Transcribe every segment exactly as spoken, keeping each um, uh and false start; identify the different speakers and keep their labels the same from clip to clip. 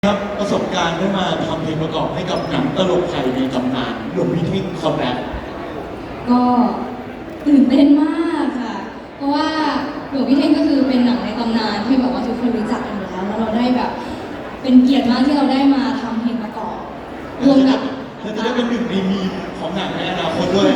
Speaker 1: ครับประสบการณ์ได้มาทำเพลงประกอบให้กับหนังตลกไทยในตำนานหลวงพี่เท่งคอมแบ็ค
Speaker 2: ก็ตื่นเต้นมากค่ะเพราะว่าหลวงพี่เท่งก็คือเป็นหนังในตำนานที่แบบว่าทุกคนรู้จักกันอยู่แล้วแล้วเราได้แบบเป็นเกียรติมากที่เราได้มาทำเพลงประกอบรวมกับ
Speaker 1: และจะได้เป็นหนึ่งในมีมของหนังในอนาคตด้วย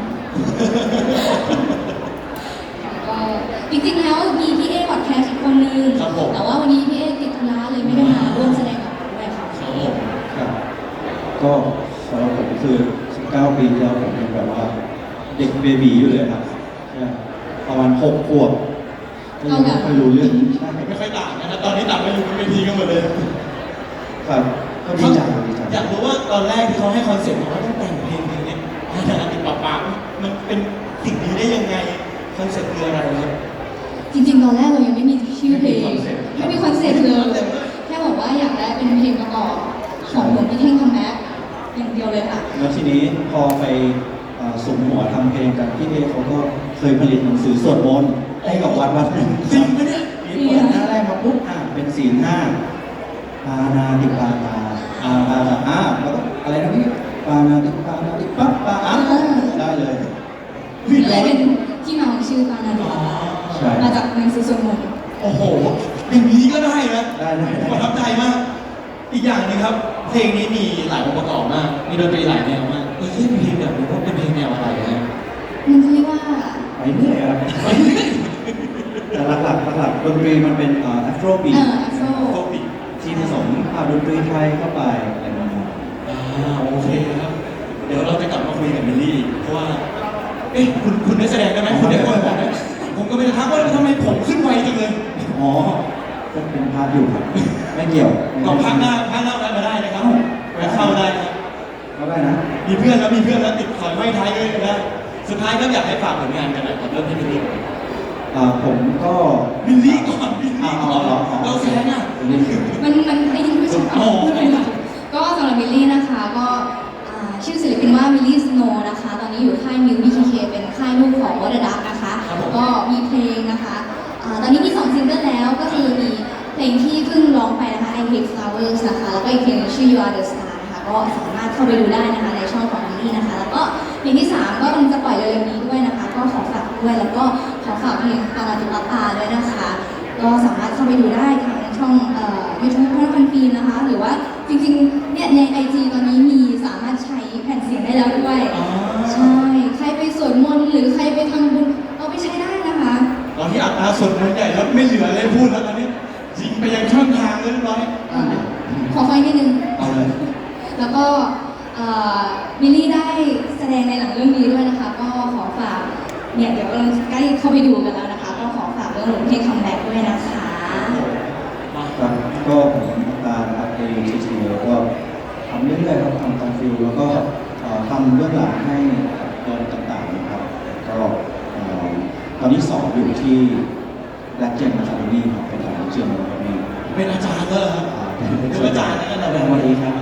Speaker 2: ก็จริงๆแล้วมีพี่เอพอดแคสต์อีกคนนึงแต่ว่าวันนี้พี่เอติดธุระเลยไม่ได้มาร่วมแสดงกับเราด้วยค่ะ
Speaker 3: ครับก็สำหรับผมคือสิบเก้าปีที่แล้วผมเป็นแบบว่าเด็กเบบีอยู่เลยครับประมาณหกขวบก็ยังไม่ค่อยรู้เรื่องใช่
Speaker 1: ไม่ค่อยต่างนะครับตอนนี้ต่างไม่รู้เป็นเวทีกันหมดเลย
Speaker 3: ครับก็ดีใจดีใจ
Speaker 1: อยากรู้ว่าตอนแรกที่เขาให้คอนเซ็ปต์ว่าต้องแต่งเพลงเพลงนี้ให้ทางติดปะปะมันเป็นสิ่งนี้ได้ยังไงคอนเซ็ปต์คืออะไรครับ
Speaker 2: จริงๆตอนแรกเรายังไม่มีชื่อเพลงไม่มีคอนเซ็ปต์เลยแค่บอกว่าอยากได้เป็นเพลงประกอบของหลวงพี่เท่งคัมแบ็คอย่างเดียวเลยค่ะ
Speaker 3: แล้วทีนี้พอไปสุ่มหัวทำเพลงกันพี่เอเขาก็เคยผลิตหนังสือสวดมนต์ให้กับวัดวัดหนึ่ง
Speaker 1: จริงไหมเนี่ย
Speaker 3: มีเปิดหน้าแรกมาปุ๊บอ่ะเป็นศีลห้าปานาติปาตาอาปาตาอ่ะแล้วก็อะไรนะพี่ปานาติปานาติปั๊บปาอ่ะได้เลย
Speaker 2: เลยเป็นที่มาของชื่อปานาติปาตามาจากหนังสือสวดมนต์
Speaker 1: โอ้โหอย่างนี้ก็ได้นะ
Speaker 3: ได้ได้
Speaker 1: ประทับใจมากอีกอย่างนึงครับเพลงนี้มีหลายองค์ประกอบมากมีดนตรีหลายแนวมากเออเพลงแบบนี้ว่าเป็นเพลงแนวอะไรนะ
Speaker 2: มันเรียกว่า
Speaker 3: ไปเรื่อยครับแต่หลักๆหลักๆดนตรีมันเป็นแอฟโรบีทที่ผสมดนตรีไทยเข้าไปอะไรแบบนี้
Speaker 1: อ่าโอเคครับเดี๋ยวเราจะกลับมาคุยกับมิลลี่เพราะว่าเอ๊ะคุณคุณได้แสดงได้ไหมคุณได้คนบอกไหมผมก็ไม่ได้ทักว่าทำไมผมขึ้นไวจังเลย
Speaker 3: อ๋อก็เป็นภาพอยู่ครับไม่เกี่ยว
Speaker 1: ลองพักหน้าพักหน้าได้มาได้นะครับไปเข้าได้ครับ
Speaker 3: เข้าได้นะ
Speaker 1: มีเพื่อนแล้วมีเพื่อนแล้วติดขอยไว้ท้ายเลยนะสุดท้ายก็อยากให้ฝากผลงานกันหน่อยครับเริ่มที่มิลลี่
Speaker 3: อ่าผมก็
Speaker 1: มิลลี่ก่อนมิลลี่ก่อนเราแซงอ่ะ
Speaker 2: มันมันไอ้ที่ไม่ใช่พูดเลยค่ะก็สำหรับมิลลี่นะคะก็ชื่อศิลปินว่ามิลลี่สโนว์นะคะตอนนี้อยู่ค่ายมิว บี เค เคเป็นค่ายลูกของวอเดอร์ดักนะคะก็มีเพลงนะคะตอนนี้มีสองซิงเกิลแล้วก็คือมีเพลงที่เพิ่งร้องไปนะคะ I Hate Flowers นะคะแล้วก็อีกเพลงชื่อ You Are the Star นะคะก็สามารถเข้าไปดูได้นะคะในช่องของมิลลี่นะคะแล้วก็เพลงที่สามก็กำลังจะปล่อยเร็วๆนี้ด้วยนะคะก็ขอฝากด้วยแล้วก็ขอฝากเพลงปานาติปาตาด้วยนะคะก็สามารถเข้าไปดูได้ทางช่องยูทูบพระพันปีนะคะหรือว่าจริงๆเนี่ยใน ไอ จี ตอนนี้มีสามารถใช้แผ่นเสียงได้แล้วด้วยใช่ใครไปสวดมนต์หรือใครไปทำบุญเอาไปใช้ได้นะคะ
Speaker 1: ตอนที่อัตราสวดมนต์ใหญ่แล้วไม่เหลืออะไรพูดแล้วตอนนี้ยิงไปยังช่องทางเรียบร้อย
Speaker 2: ขอไฟนิดนึงเอาเลยแล้วก็มิลลี่ได้แสดงในหนังเรื่องนี้ด้วยนะคะก็ขอฝากเนี่ยเดี๋ยวเราใกล้เข้าไปดูกันแล้วนะคะก็ขอฝากเรื่องหลวงพี่คัมแบ็คด้วยนะคะ
Speaker 3: ครับก็ผมตานะครับในทีทีแล้วก็ทำเรื่อยๆครับทำตามฟิลแล้วก็ทำเรื่องหลังให้ตอนต่างๆนะครับก็ตอนนี้สอบอยู่ที่แลกเจนมาจากนี่ครับเป็นอาจารย์เจียมวันนี้
Speaker 1: เป็นอาจารย์เลยครับเป็นอาจารย์นั่นแหละ
Speaker 3: วันนี้ครับ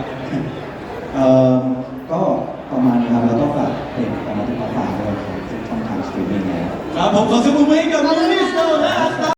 Speaker 3: ก็ประมาณนี้ครับแล้วก็ฝากเพลงของมาติปาตาด้วยครับช่องทางสตรีมมิ่งแล้ว
Speaker 1: ครับผมขอเสียงปรบมือ